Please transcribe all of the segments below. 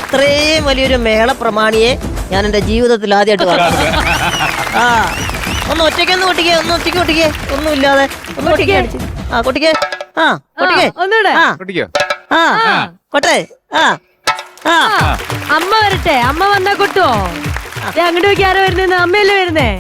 ഇത്രയും വലിയൊരു മേള പ്രമാണിയെ ഞാൻ എന്റെ ജീവിതത്തിൽ ആദ്യമായിട്ട് കാണുന്നു. ആ ഒന്ന് ഒറ്റയ്ക്കൊന്ന് കൊട്ടിക്കേ, ഒന്ന് ഒറ്റയ്ക്ക് കൊട്ടിക്കേ, ഒന്നുമില്ലാതെ ഒന്ന് കൊട്ടിക്കേ. ആ കൊട്ടിക്കേ, ആ കൊട്ടിക്കേ, ഒന്നുകൂടെ ആ കൊട്ടെ. ആ ആ അമ്മ വരട്ടെ, അമ്മ വന്നാ കൊട്ടുവോ? അങ്ങോട്ട് നോക്കി ആരോ വരുന്നേ? അമ്മയല്ലേ വരുന്നേ?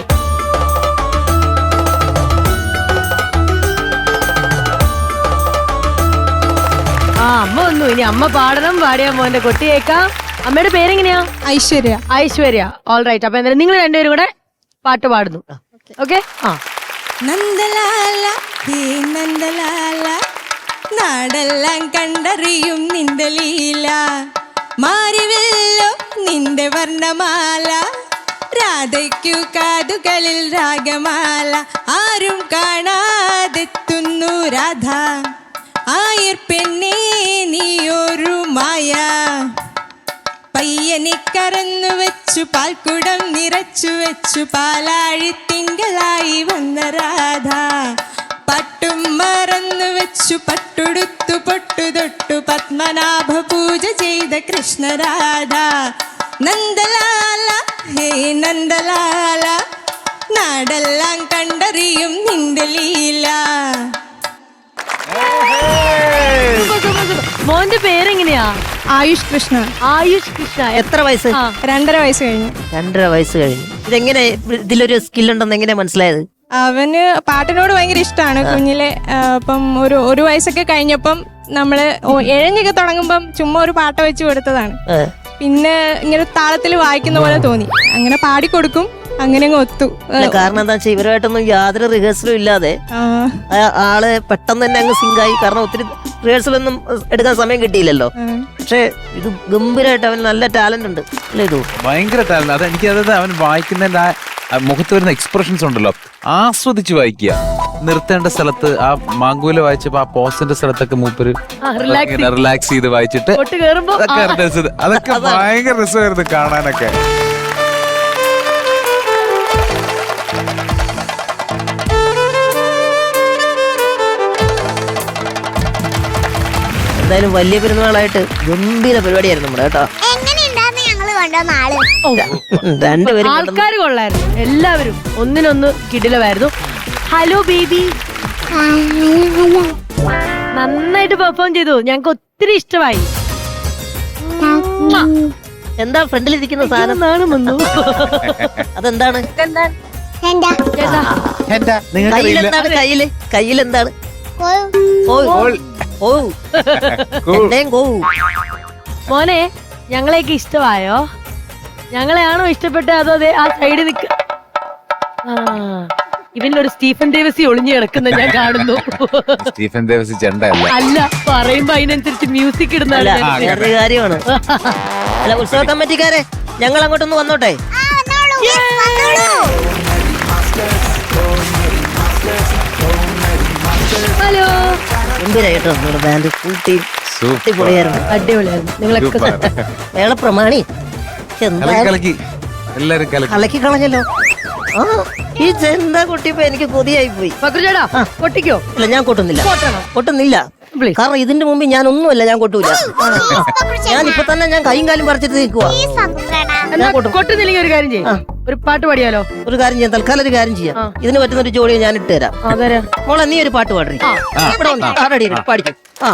ആ അമ്മ വന്നു. ഇനി അമ്മ പാടണം. പാടിയാ മോന്റെ കൊട്ടിയേക്കാം. അമ്മയുടെ പേരെങ്ങനെയാ? ഐശ്വര്യ. ഐശ്വര്യ. All right. അപ്പൊ എന്തായാലും നിങ്ങൾ രണ്ടുപേരും കൂടെ പാട്ട് പാടുന്നു. ഓക്കെ. ആ നന്ദലാല ഹേ നന്ദലാല, നാടെല്ലാം കണ്ടറിയും നിന്റെ ലീല, മാറിവല്ലോ നിന്റെ വർണ്ണമാല, രാധയ്ക്കു കാതുകളിൽ രാഗമാല, ആരും കാണാതെത്തുന്നു രാധ, ആയിർ പെണ്ണേ നീയൊരു മായ, പയ്യനെ കറന്നു വെച്ചു പാൽക്കുടം നിറച്ചു വെച്ചു, പാലാഴി തിങ്കളായി വന്ന രാധ, പട്ടും മറന്നു വെച്ചു പട്ടുടുത്തു പൊട്ടു തൊട്ടു, പത്മനാഭ പൂജ ചെയ്ത കൃഷ്ണരാധ, നന്ദലാല ഹേ നന്ദലാല, നാടെല്ലാം കണ്ടറിയും നിന്റെ ലീല. മോന്റെ പേരെങ്ങനെയാ? ആയുഷ് കൃഷ്ണ. ആയുഷ് കൃഷ്ണ. എത്ര വയസ്സ്? 2.5 വയസ്സ് കഴിഞ്ഞു. 2.5 വയസ്സ് കഴിഞ്ഞു. ഇതെങ്ങനെ ഇതിലൊരു സ്കില്ലുണ്ടെന്ന് എങ്ങനെ മനസ്സിലായത്? അവന് പാട്ടിനോട് ഭയങ്കര ഇഷ്ടമാണ് കുഞ്ഞിലെ. അപ്പം ഒരു വയസ്സൊക്കെ കഴിഞ്ഞപ്പം നമ്മള് എഴഞ്ഞൊക്കെ തുടങ്ങുമ്പം ചുമ്മാ ഒരു പാട്ട് വെച്ച് കൊടുത്തതാണ്. പിന്നെ ഇങ്ങനെ താളത്തിൽ വായിക്കുന്ന പോലെ തോന്നി, അങ്ങനെ പാടിക്കൊടുക്കും, അങ്ങനെ അങ്ങ് ഒത്തു. കാരണം എന്താ വെച്ചാൽ ഇവരുമായിട്ടൊന്നും യാതൊരു റിഹേഴ്സലും ഇല്ലാതെ ആള് പെട്ടെന്ന് തന്നെ അങ്ങ് സിങ്കായി. കാരണം ഒത്തിരി റിഹേഴ്സലൊന്നും എടുക്കാൻ സമയം കിട്ടിയില്ലല്ലോ. പക്ഷെ ഇത് ഗംഭീരമായിട്ട് അവന് നല്ല ടാലന്റ് ഉണ്ട് അല്ലേ? ഇത് ഭയങ്കര ടാലന്റ്. അത് എനിക്ക് അതായത് അവൻ വായിക്കുന്നതിന്റെ ആ മുഖത്ത് വരുന്ന എക്സ്പ്രഷൻസ് ഉണ്ടല്ലോ, ആസ്വദിച്ച് വായിക്കുക. നിർത്തേണ്ട സ്ഥലത്ത് ആ മാങ്കൂല വായിച്ചപ്പോ ആ പോസിന്റെ സ്ഥലത്തൊക്കെ മൂപ്പര് റിലാക്സ് ചെയ്ത് വായിച്ചിട്ട് അതൊക്കെ ഭയങ്കര രസമായിരുന്നു കാണാനൊക്കെ. എന്തായാലും വലിയ പെരുന്നാളായിട്ട് ഗംഭീര പരിപാടിയായിരുന്നു നമ്മുടെ കേട്ടോ. രണ്ടുപേരും ആൾക്കാർ കൊള്ളായിരുന്നു, എല്ലാവരും ഒന്നിനൊന്ന് കിടിലമായിരുന്നു. ഹലോ ബേബി, നന്നായിട്ട് പെർഫോം ചെയ്തു, ഞങ്ങൾക്ക് ഒത്തിരി ഇഷ്ടമായി. എന്താ ഫ്രണ്ടിലിരിക്കുന്ന സാധനം? അതെന്താണ്? കയ്യിലെന്താണ്? മോനെ, ഞങ്ങളെയൊക്കെ ഇഷ്ടമായോ? ഞങ്ങളെയാണോ ഇഷ്ടപ്പെട്ടത്? അതോ ആ സൈഡിൽ നിൽക്ക ഇവനൊരു സ്റ്റീഫൻ ദേവസി ഒളിഞ്ഞു കിടക്കുന്ന ഞാൻ കാണുന്നു. സ്റ്റീഫൻ ദേവസി ചെണ്ടയല്ല, അല്ല, പറയുമ്പോ അതിനനുസരിച്ച് മ്യൂസിക് ഇടുന്ന കാര്യമാണ്. അല്ല, ഉത്സവ കമ്മിറ്റിക്കാരെ ഞങ്ങൾ അങ്ങോട്ടൊന്ന് വന്നോട്ടെ. ഹലോ, ഗംഭീരായിട്ടോ നമ്മുടെ ബാൻഡ് ഫുൾ ടീം അടിപൊളിയായിരുന്നു. അടിപൊളിയായിരുന്നു. നിങ്ങളൊക്കെ മേള പ്രമാണി എല്ലാരും കലക്കി കളഞ്ഞല്ലോ. ആ ഈ ചെന്താ കൊട്ടിയപ്പോ എനിക്ക് കൊതിയായി പോയി. ചേട്ടാ കൊട്ടിക്കോ? ഇല്ല, ഞാൻ കൊട്ടുന്നില്ല. കാരണം ഇതിന്റെ മുമ്പിൽ ഞാൻ ഒന്നുമല്ല, ഞാൻ കൊട്ടൂല. ഞാൻ ഇപ്പൊ തന്നെ ഞാൻ കൈയും കാലും പറിച്ചിട്ട് നിൽക്കുവാ. കൊട്ടുന്നില്ലെങ്കിൽ ഒരു കാര്യം ചെയ്യാം, ഒരു പാട്ട് പാടിയാലോ? ഒരു കാര്യം ചെയ്യാം, തൽക്കാലം ഒരു കാര്യം ചെയ്യാം. ഇതിന് പറ്റുന്ന ഒരു ജോഡിയെ ഞാൻ ഇട്ട് തരാം. മോളെ, നീ ഒരു പാട്ട് പാടി. പാടിക്കും. ആ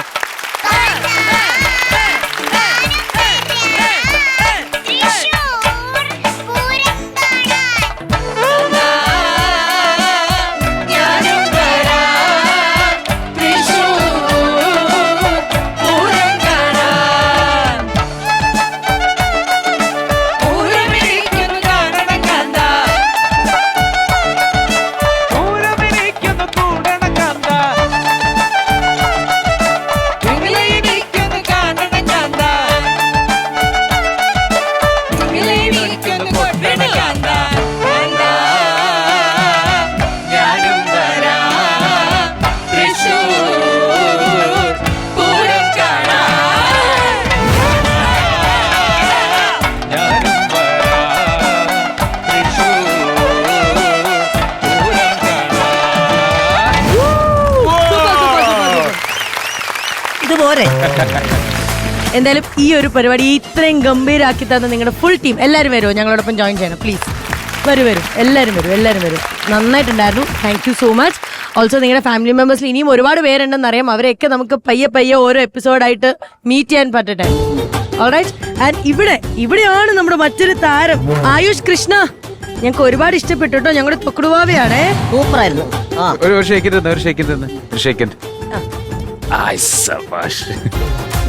എന്തായാലും ഈ ഒരു പരിപാടി ഇത്രയും ഗംഭീരാക്കി തന്ന നിങ്ങളുടെ ഫുൾ ടീം എല്ലാവരും വരുമോ ഞങ്ങളോടൊപ്പം ജോയിൻ ചെയ്യണം പ്ലീസ്? വരും എല്ലാവരും വരും. നന്നായിട്ടുണ്ടായിരുന്നു. Thank you so much. Also നിങ്ങളുടെ ഫാമിലി മെമ്പേഴ്സിൽ ഇനിയും ഒരുപാട് പേരുണ്ടെന്ന് അറിയാം. അവരെയൊക്കെ നമുക്ക് പയ്യെ ഓരോ എപ്പിസോഡായിട്ട് മീറ്റ് ചെയ്യാൻ പറ്റട്ടെ. ഓൾറൈറ്റ്. ആൻഡ് ഇവിടെയാണ് നമ്മുടെ മറ്റൊരു താരം ആയുഷ് കൃഷ്ണ. ഞങ്ങൾക്ക് ഒരുപാട് ഇഷ്ടപ്പെട്ടു കേട്ടോ. ഞങ്ങളുടെ തൊക്കുടുവാവയാണേ. സൂപ്പറായിരുന്നു. ഒരു സെക്കൻഡ്